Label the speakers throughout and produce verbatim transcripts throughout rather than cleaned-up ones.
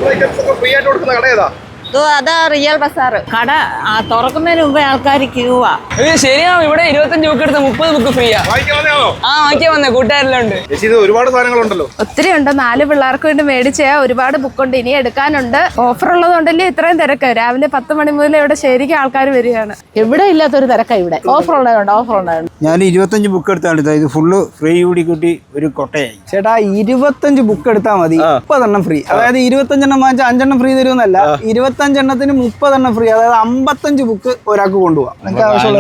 Speaker 1: അതാ റിയൽ ബസാർ കട തുറക്കുന്നതിന് മുമ്പേ ആൾക്കാർ ക്യൂവാ.
Speaker 2: ശരിയാവും. ഇവിടെ ഇരുപത്തഞ്ച് ബുക്ക് എടുത്ത് മുപ്പത് ബുക്ക് ഫ്രീയാ. ആ വാങ്ങിക്കാൻ വന്നേ, കൂട്ടുകാരെല്ലാം ഉണ്ട്.
Speaker 3: ഒരുപാട് സാധനങ്ങളുണ്ടല്ലോ.
Speaker 1: ഒത്തിരി ഉണ്ട്. നാല് പിള്ളേർക്ക് വേണ്ടി മേടിച്ച ഒരുപാട് ബുക്കുണ്ട്, ഇനി എടുക്കാനുണ്ട്. ഓഫർ ഉള്ളതുകൊണ്ടല്ലേ ഇത്രയും തിരക്ക്. രാവിലെ പത്ത് മണി മുതൽ ഇവിടെ ശരിക്കും ആൾക്കാർ വരികയാണ്. എവിടെ ഇല്ലാത്തൊരു തിരക്കാണ് ഇവിടെ. ഓഫർ ഉണ്ടായതുകൊണ്ട് ഓഫർ ഉണ്ടായിരുന്നു.
Speaker 4: ഞാൻ ഇരുപത്തഞ്ച് ബുക്ക് എടുത്താണ്. ഇത് ഫുള്ള് ഫ്രീ കൂടി കൂട്ടി ഒരു കൊട്ടയായി. ചേട്ടാ ഇരുപത്തഞ്ച് ബുക്ക് എടുത്താൽ മതി, മുപ്പതെണ്ണം ഫ്രീ. അതായത് ഇരുപത്തഞ്ചെണ്ണം വാങ്ങിച്ചാൽ അഞ്ചെണ്ണം ഫ്രീ തരുമെന്നല്ല, ഇരുപത്തഞ്ചെണ്ണത്തിന് മുപ്പതെണ്ണം ഫ്രീ. അതായത് അമ്പത്തഞ്ച് ബുക്ക് ഒരാൾക്ക് കൊണ്ടുപോകാം. നിങ്ങൾക്ക് ആവശ്യമുള്ള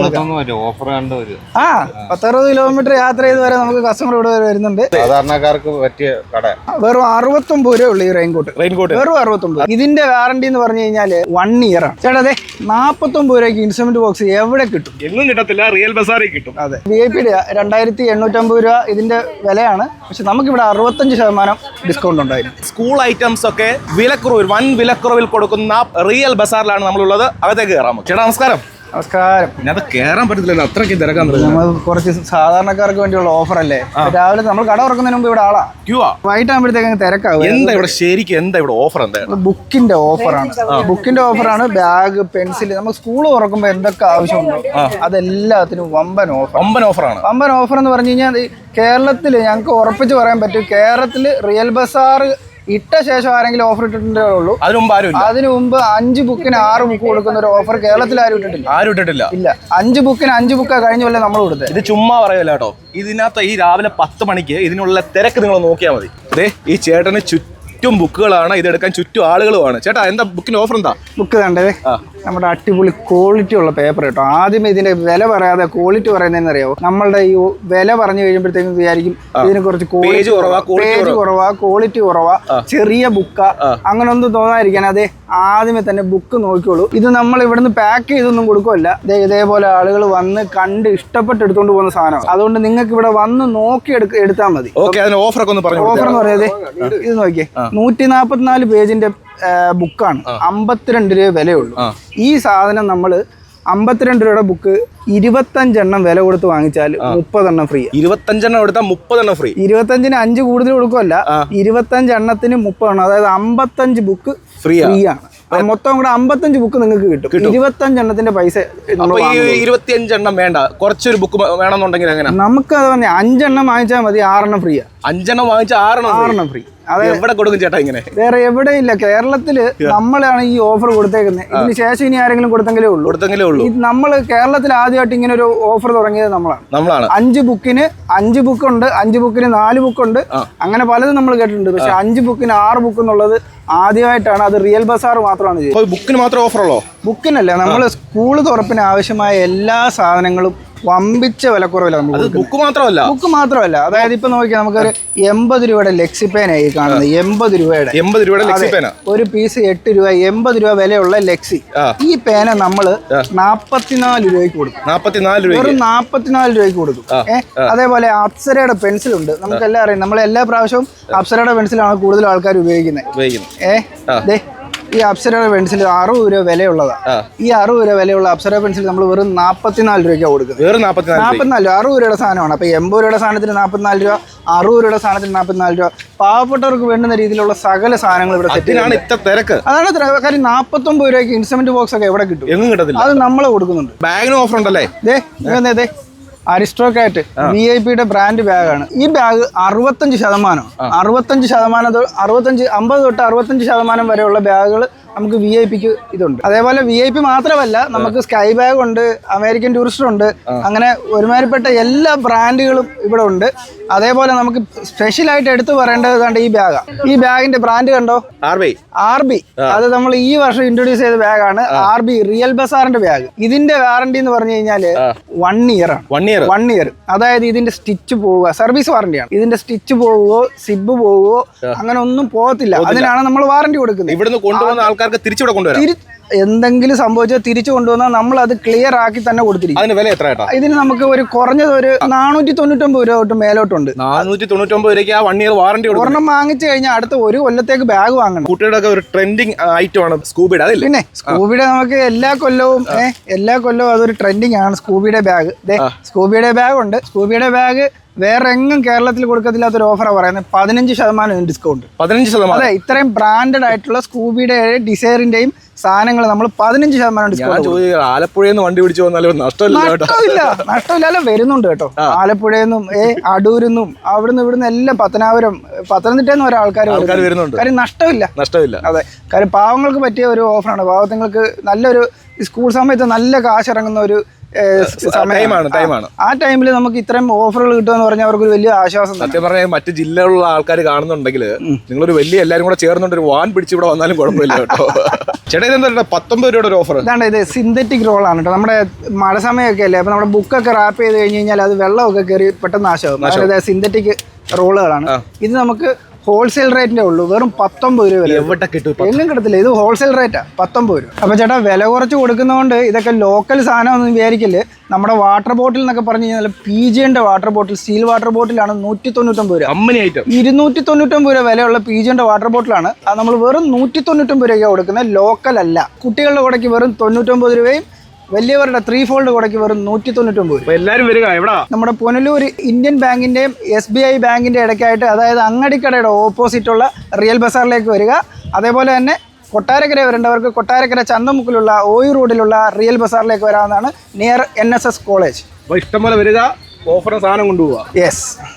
Speaker 4: ആ പത്തറുപത് കിലോമീറ്റർ യാത്ര ചെയ്ത് വരെ നമുക്ക് കസ്റ്റമർ ഇവിടെ വരെ വരുന്നുണ്ട്.
Speaker 3: സാധാരണക്കാർക്ക് പറ്റിയ കട.
Speaker 4: വെറും അറുപത്തൊമ്പത് രൂപ ഉള്ളു ഈ റെയിൻകോട്ട്. റെയിൻകോട്ട് വെറും അറുപത്തൊമ്പത്. ഇതിന്റെ വാറണ്ടി എന്ന് പറഞ്ഞു കഴിഞ്ഞാല് വൺ ഇയർ ആണ്. ചേട്ടാ അതെ നാപ്പത്തൊമ്പത് രൂപയ്ക്ക് ഇൻസ്ട്രുമെന്റ് ബോക്സ് എവിടെ കിട്ടും?
Speaker 3: എങ്ങും കിട്ടത്തില്ല, റിയൽ ബസാറിൽ കിട്ടും.
Speaker 4: അതെ, വി ഐ പിയുടെ രണ്ടായിരത്തി എണ്ണൂറ്റമ്പത് രൂപ ഇതിന്റെ വിലയാണ്. പക്ഷെ നമുക്കിവിടെ അറുപത്തഞ്ച് ശതമാനം ഡിസ്കൗണ്ട് ഉണ്ടായിരുന്നു.
Speaker 3: സ്കൂൾ ഐറ്റംസ് ഒക്കെ വിലക്കുറവിൽ, വൻ വിലക്കുറവിൽ കൊടുക്കുന്ന റിയൽ ബസാറിലാണ് നമ്മളുള്ളത്. അകത്തേക്ക് കയറാമോ? ചേട്ടാ നമസ്കാരം.
Speaker 4: നമസ്കാരം.
Speaker 3: പിന്നെ അത് കയറാൻ പറ്റത്തില്ലല്ലോ, അത്രയ്ക്ക് തിരക്കാൻ.
Speaker 4: നമ്മൾ കുറച്ച് സാധാരണക്കാർക്ക് വേണ്ടിയുള്ള ഓഫർ അല്ലേ. രാവിലെ നമ്മൾ കട തുറക്കുന്നതിന് മുമ്പ് ഇവിടെ ആളാ ക്യൂ ആ. വൈകിട്ട് ആകുമ്പോഴത്തേക്ക് തിരക്കാവും.
Speaker 3: എന്താ ഇവിടെ ശരിക്കും എന്താ ഇവിടെ ഓഫർ? എന്താ?
Speaker 4: ബുക്കിന്റെ ഓഫറാണ്. ബുക്കിന്റെ ഓഫറാണ്. ബാഗ്, പെൻസിൽ, നമുക്ക് സ്കൂൾ തുറക്കുമ്പോൾ എന്തൊക്കെ ആവശ്യമുണ്ടോ അതെല്ലാത്തിനും വമ്പൻ ഓഫർ.
Speaker 3: വമ്പൻ ഓഫറാണ്.
Speaker 4: വമ്പൻ ഓഫർ എന്ന് പറഞ്ഞു കഴിഞ്ഞാൽ കേരളത്തിൽ ഞങ്ങൾക്ക് ഉറപ്പിച്ച് പറയാൻ പറ്റും, കേരളത്തിൽ റിയൽ ബസാർ ഇട്ട ശേഷം ആരെങ്കിലും ഓഫർ ഇട്ടിട്ടുണ്ടേ ഉള്ളൂ. അതിനു മുമ്പ് ആരും അതിനു മുമ്പ് അഞ്ച് ബുക്കിന് ആറ് ബുക്ക് കൊടുക്കുന്ന ഒരു ഓഫർ കേരളത്തിൽ ആരും ഇട്ടിട്ടില്ല. ആരും ഇട്ടിട്ടില്ല. ഇല്ല, അഞ്ച് ബുക്കിന് അഞ്ച് ബുക്കാ കഴിഞ്ഞ പോലെ നമ്മൾ കൊടുത്തത്.
Speaker 3: ഇത് ചുമ്മാ പറയല്ല കേട്ടോ. ഇതിനകത്ത് ഈ രാവിലെ പത്ത് മണിക്ക് ഇതിനുള്ള തിരക്ക് നിങ്ങൾ നോക്കിയാൽ മതി. അതെ, ഈ ചേട്ടന് ചുറ്റും ബുക്കുകളാണ്, ഇതെടുക്കാൻ ചുറ്റും ആളുകളുമാണ്. ചേട്ടാ എന്താ ബുക്കിന് ഓഫർ? എന്താ ബുക്ക് കണ്ടേ? നമ്മുടെ അടിപൊളി ക്വാളിറ്റി ഉള്ള പേപ്പർ കേട്ടോ. ആദ്യമേ ഇതിന്റെ വില പറയാതെ ക്വാളിറ്റി പറയുന്നതെന്ന് അറിയാവോ? നമ്മളുടെ ഈ വില പറഞ്ഞു കഴിയുമ്പോഴത്തേക്കും വിചാരിക്കും ഇതിനെ കുറച്ച് പേജ് കുറവാ, ക്വാളിറ്റി കുറവാ, ചെറിയ ബുക്കാ, അങ്ങനെ ഒന്നും തോന്നാതിരിക്കാൻ അതെ ആദ്യമേ തന്നെ ബുക്ക് നോക്കിക്കോളൂ. ഇത് നമ്മൾ ഇവിടുന്ന് പാക്ക് ചെയ്തൊന്നും കൊടുക്കുമല്ല. ഇതേപോലെ ആളുകൾ വന്ന് കണ്ട് ഇഷ്ടപ്പെട്ട് എടുത്തോണ്ട് പോകുന്ന സാധനം. അതുകൊണ്ട് നിങ്ങൾക്ക് ഇവിടെ വന്ന് നോക്കി എടുത്താൽ മതി. ഓഫർ എന്ന് പറയാതെ ഇത് നോക്കിയേ, നൂറ്റി നാപ്പത്തിനാല് പേജിന്റെ ബുക്കാണ്, അമ്പത്തിരണ്ട് രൂപ വിലയുള്ളൂ. ഈ സാധനം നമ്മൾ അമ്പത്തിരണ്ട് രൂപയുടെ ബുക്ക് ഇരുപത്തഞ്ചെണ്ണം വില കൊടുത്ത് വാങ്ങിച്ചാൽ മുപ്പതെണ്ണം ഫ്രീ. ഇരുപത്തഞ്ചെണ്ണം എടുത്താൽ മുപ്പതെണ്ണം ഫ്രീ. ഇരുപത്തഞ്ചിന് അഞ്ച് കൂടുതൽ കൊടുക്കുമല്ല, ഇരുപത്തഞ്ചെണ്ണത്തിന് മുപ്പതെണ്ണം, അതായത് അമ്പത്തഞ്ച് ബുക്ക് ഫ്രീ ആണ്. മൊത്തം കൂടെ അമ്പത്തഞ്ച് ബുക്ക് നിങ്ങൾക്ക് കിട്ടും. ഇരുപത്തഞ്ചെണ്ണത്തിന്റെ പൈസ ഇരുപത്തിയഞ്ചെണ്ണം വേണ്ട, കുറച്ചൊരു ബുക്ക് വേണമെന്നുണ്ടെങ്കിൽ എങ്ങനെ? നമുക്ക് അത് പറഞ്ഞാൽ അഞ്ചെണ്ണം വാങ്ങിച്ചാൽ മതി, ആറെണ്ണം ഫ്രീ. അഞ്ചെണ്ണം വാങ്ങിച്ചാൽ ആറെണ്ണം ആറെണ്ണം ഫ്രീ. അതെ, എവിടെ കൊടുക്കും ചേട്ടാ ഇങ്ങനെ? വേറെ എവിടെയില്ല. കേരളത്തില് നമ്മളാണ് ഈ ഓഫർ കൊടുത്തേക്കുന്നത്. ഇതിന് ശേഷം ഇനി ആരെങ്കിലും കൊടുത്തെങ്കിലേ ഉള്ളൂ കൊടുത്തെങ്കിലേ ഉള്ളൂ നമ്മൾ കേരളത്തിൽ ആദ്യമായിട്ട് ഇങ്ങനെ ഒരു ഓഫർ തുടങ്ങിയത് നമ്മളാണ് നമ്മളാണ് അഞ്ച് ബുക്കിന് അഞ്ച് ബുക്കുണ്ട്, അഞ്ച് ബുക്കിന് നാല് ബുക്കുണ്ട്, അങ്ങനെ പലതും നമ്മൾ കേട്ടിട്ടുണ്ട്. പക്ഷെ അഞ്ച് ബുക്കിന് ആറ് ബുക്ക് എന്നുള്ളത് ആദ്യമായിട്ടാണ്. അത് റിയൽ ബസാർ മാത്രമാണ് ചെയ്യുന്നത്. ബുക്കിന് മാത്രം ഓഫർ ഉള്ളോ? ബുക്കിനല്ല, നമ്മൾ സ്കൂൾ തുറപ്പിന് ആവശ്യമായ എല്ലാ സാധനങ്ങളും വമ്പിച്ച വിലക്കുറവില്ല. ബുക്ക് മാത്രമല്ല ബുക്ക് മാത്രമല്ല അതായത് ഇപ്പൊ നോക്കിയാൽ നമുക്കൊരു എൺപത് രൂപയുടെ ലെക്സിപ്പേനായി കാണുന്നത്. എൺപത് രൂപയുടെ എൺപത് രൂപയുടെ ഒരു പീസ് എട്ട് രൂപ, എൺപത് രൂപ വിലയുള്ള ലെക്സി. ഈ പേന നമ്മള് നാപ്പത്തിനാല് രൂപയ്ക്ക് കൊടുക്കും. നാപ്പത്തിനാല് രൂപ വെറും നാപ്പത്തിനാല് രൂപയ്ക്ക് കൊടുക്കും. ഏഹ് അതേപോലെ അപ്സരയുടെ പെൻസിലുണ്ട്. നമുക്കെല്ലാം അറിയാം, നമ്മൾ എല്ലാ പ്രാവശ്യവും അപ്സരയുടെ പെൻസിലാണ് കൂടുതൽ ആൾക്കാർ ഉപയോഗിക്കുന്നത്. ഏഹ് ഈ അപ്സരയുടെ പെൻസിൽ അറുപത് രൂപ വിലയുള്ളതാണ്. ഈ അറുപത് രൂപ വിലയുള്ള അപ്സര പെൻസിൽ നമ്മൾ വെറും നാപ്പത്തിനാല് രൂപയ്ക്കാണ് കൊടുക്കുന്നത്. നാപ്പത്തിനാല് അറുപത് രൂപയുടെ സാധനമാണ്. അപ്പൊ എൺപത് രൂപയുടെ സാധനത്തിന് നാപ്പത്തിനാല് രൂപ, അറുപത് രൂപയുടെ സാധനത്തിന് നാപ്പത്തിനാല് രൂപ. പാവപ്പെട്ടവർക്ക് വേണ്ടുന്ന രീതിയിലുള്ള സകല സാധനങ്ങൾ ഇവിടെ സെറ്റ്. അതാണ് കാര്യം. നാപ്പത്തൊമ്പത് രൂപയ്ക്ക് ഇൻസ്ട്രുമെന്റ് ബോക്സ് ഒക്കെ എവിടെ കിട്ടും? എങ്ങും കിട്ടത്തില്ല. അത് നമ്മൾ കൊടുക്കുന്നുണ്ട്. ബാഗിന് ഓഫർ ഉണ്ടല്ലേ? ദേ അരിസ്റ്റോക്കാറ്റ് വി ഐ പിയുടെ ബ്രാൻഡ് ബാഗാണ്. ഈ ബാഗ് അറുപത്തഞ്ച് ശതമാനം അറുപത്തഞ്ച് ശതമാനം അറുപത്തഞ്ച് അമ്പത് തൊട്ട് അറുപത്തഞ്ച് ശതമാനം വരെയുള്ള ബാഗുകൾ നമുക്ക് വി ഐ പിക്ക് ഇതുണ്ട്. അതേപോലെ വി ഐ പി മാത്രമല്ല, നമുക്ക് സ്കൈ ബാഗ് ഉണ്ട്, അമേരിക്കൻ ടൂറിസ്റ്റർ ഉണ്ട്, അങ്ങനെ ഒരുമാതിരിപ്പെട്ട എല്ലാ ബ്രാൻഡുകളും ഇവിടെ ഉണ്ട്. അതേപോലെ നമുക്ക് സ്പെഷ്യലായിട്ട് എടുത്തു പറയേണ്ടത് ഈ ബാഗാണ്. ഈ ബാഗിന്റെ ബ്രാൻഡ് കണ്ടോ? R B. ആർ ബി അത് നമ്മൾ ഈ വർഷം ഇൻട്രൊഡ്യൂസ് ചെയ്ത ബാഗാണ്. ആർ ബി റിയൽ ബസാറിന്റെ ബാഗ്. ഇതിന്റെ വാറണ്ടി എന്ന് പറഞ്ഞു കഴിഞ്ഞാല് വൺ ഇയർ ആണ്. വൺ ഇയർ വൺ ഇയർ അതായത് ഇതിന്റെ സ്റ്റിച്ച് പോവുക, സർവീസ് വാറണ്ടിയാണ്. ഇതിന്റെ സ്റ്റിച്ച് പോവുകയോ സിബ് പോവുകയോ അങ്ങനെ ഒന്നും പോകത്തില്ല. അതിനാണ് നമ്മൾ വാറണ്ടി കൊടുക്കുന്നത്. ഇവിടുന്ന് കൊണ്ടുപോകുന്ന ആൾക്കാർക്ക് തിരിച്ചുവിടെ കൊണ്ടുവരാം. എന്തെങ്കിലും സംഭവിച്ചാൽ തിരിച്ചു കൊണ്ടുവന്നാൽ നമ്മൾ അത് ക്ലിയർ ആക്കി തന്നെ കൊടുത്തിരിക്കും. അതിന് വില എത്ര? ഇതിന് നമുക്ക് ഒരു കുറഞ്ഞത് ഒരു നാനൂറ്റി തൊണ്ണൂറ്റൊമ്പത് രൂപ തൊട്ട് മേലോട്ടുണ്ട്. നാനൂറ്റി തൊണ്ണൂറ്റൊമ്പത് രൂപയ്ക്ക് ആ വൺ ഇയർ വാറണ്ടി. ഒരെണ്ണം വാങ്ങിച്ചു കഴിഞ്ഞാൽ അടുത്ത ഒരു കൊല്ലത്തേക്ക് ബാഗ് വാങ്ങണം. കുട്ടികളുടെ ഒരു ട്രെൻഡിങ് ഐറ്റം ആണ് സ്കൂബിയുടെ. അതിൽ പിന്നെ സ്കൂബിയുടെ നമുക്ക് എല്ലാ കൊല്ലവും എല്ലാ കൊല്ലവും അതൊരു ട്രെൻഡിങ് ആണ് സ്കൂബിയുടെ ബാഗ്. സ്കൂബിയുടെ ബാഗ് ഉണ്ട്. സ്കൂബിയുടെ ബാഗ്
Speaker 4: വേറെ എങ്ങും കേരളത്തിൽ കൊടുക്കത്തില്ലാത്തൊരു ഓഫറാണ് പറയുന്നത്. പതിനഞ്ച് ശതമാനം ഡിസ്കൗണ്ട്.
Speaker 3: പതിനഞ്ച് ശതമാനം
Speaker 4: അതെ, ഇത്രയും ബ്രാൻഡഡ് ആയിട്ടുള്ള സ്കൂബിയുടെ ഡിസൈറിന്റെയും സാധനങ്ങൾ നമ്മൾ പതിനഞ്ച് ശതമാനം ഡിസ്കൗണ്ട്.
Speaker 3: ആലപ്പുഴയിൽ നിന്ന് വണ്ടി പിടിച്ചു വന്നാലും നഷ്ടമില്ല
Speaker 4: നഷ്ടമില്ല നഷ്ടമില്ല അല്ല, വരുന്നുണ്ട് കേട്ടോ. ആലപ്പുഴയിൽ നിന്നും ഏ അടൂരിൽ നിന്നും അവിടുന്ന് ഇവിടുന്ന് എല്ലാം പത്തനാപുരം പത്തനംതിട്ടയിൽ നിന്ന് ഓരോ ആൾക്കാർ
Speaker 3: വരുന്നുണ്ട്.
Speaker 4: കാര്യം നഷ്ടമില്ല
Speaker 3: നഷ്ടമില്ല
Speaker 4: അതെ, കാര്യം പാവങ്ങൾക്ക് പറ്റിയ ഒരു ഓഫറാണ്. പാവങ്ങൾക്ക് നല്ലൊരു സ്കൂൾ സമയത്ത് നല്ല കാശ് ഇറങ്ങുന്ന ഒരു
Speaker 3: ടൈമാണ്.
Speaker 4: ആ ടൈമിൽ നമുക്ക് ഇത്രയും ഓഫറുകൾ കിട്ടുമെന്ന് പറഞ്ഞാൽ അവർക്ക് ഒരു വലിയ ആശ്വാസം.
Speaker 3: സത്യം പറഞ്ഞാൽ മറ്റു ജില്ലകളിലുള്ള ആൾക്കാർ കാണുന്നുണ്ടെങ്കിൽ നിങ്ങളൊരു വലിയ എല്ലാവരും കൂടെ ചേർന്നുകൊണ്ട് ഒരു വാൻ പിടിച്ച് ഇവിടെ വന്നാലും കുഴപ്പമില്ല കേട്ടോ. ചേട്ടാ ഇതെന്താ പത്തൊമ്പത് രൂപയുടെ ഒരു ഓഫർ?
Speaker 4: ഇതാണ്, ഇത് സിന്തറ്റിക് റോളാണ് കേട്ടോ. നമ്മുടെ മഴ സമയമൊക്കെ അല്ലേ, അപ്പൊ നമ്മുടെ ബുക്കൊക്കെ റാപ്പ് ചെയ്ത് കഴിഞ്ഞ് കഴിഞ്ഞാൽ അത് വെള്ളമൊക്കെ കയറി പെട്ടെന്ന് നാശമാകും. അതായത് സിന്തറ്റിക് റോളുകളാണ്. ഇത് നമുക്ക് ഹോൾസെയിൽ റേറ്റിന്റെ ഉള്ളൂ, വെറും പത്തൊമ്പത് രൂപ.
Speaker 3: എവിടെ കിട്ടും?
Speaker 4: എങ്ങും കിട്ടത്തില്ല, ഇത് ഹോൾസെയിൽ റേറ്റാ, പത്തൊമ്പത് രൂപ. അപ്പൊ ചേട്ടാ വില കുറച്ച് കൊടുക്കുന്നതുകൊണ്ട് ഇതൊക്കെ ലോക്കൽ സാധനം ഒന്നും വിചാരിക്കില്ല. നമ്മുടെ വാട്ടർ ബോട്ടിൽ എന്നൊക്കെ പറഞ്ഞു കഴിഞ്ഞാൽ പി ജിന്റെ വാട്ടർ ബോട്ടിൽ, സ്റ്റീൽ വാട്ടർ ബോട്ടിലാണ് നൂറ്റി തൊണ്ണൂറ്റൊമ്പത് രൂപ.
Speaker 3: അമ്മനി ഐറ്റം
Speaker 4: ഇരുന്നൂറ്റി തൊണ്ണൂറ്റൊമ്പത് രൂപ വിലയുള്ള പി ജിന്റെ വാട്ടർ ബോട്ടിലാണ്. അത് നമ്മൾ വെറും നൂറ്റി തൊണ്ണൂറ്റൊമ്പത് രൂപയ്ക്ക് കൊടുക്കുന്നത്, ലോക്കൽ അല്ല. കുട്ടികളുടെ കൂടെക്ക് വെറും തൊണ്ണൂറ്റൊമ്പത് രൂപയും വലിയവരുടെ ത്രീ ഫോൾഡ് കൂടെക്ക് വെറും നൂറ്റി തൊണ്ണൂറ്റൊമ്പത് രൂപ.
Speaker 3: എല്ലാവരും വരിക എവിടാ?
Speaker 4: നമ്മുടെ പുനലൂർ ഇന്ത്യൻ ബാങ്കിന്റെയും എസ് ബി ഐ ബാങ്കിന്റെ ഇടയ്ക്കായിട്ട്, അതായത് അങ്ങടിക്കടയുടെ ഓപ്പോസിറ്റ് ഉള്ള റിയൽ ബസാറിലേക്ക് വരിക. അതേപോലെ തന്നെ കൊട്ടാരക്കര വരേണ്ടവർക്ക് കൊട്ടാരക്കര ചന്തമുക്കിലുള്ള ഓയി റോഡിലുള്ള റിയൽ ബസാറിലേക്ക് വരാവുന്നതാണ്, near N S S college.
Speaker 3: ഇഷ്ടംപോലെ വരിക, ഓഫറും സാധനം കൊണ്ടുപോവാ.
Speaker 4: യെസ്.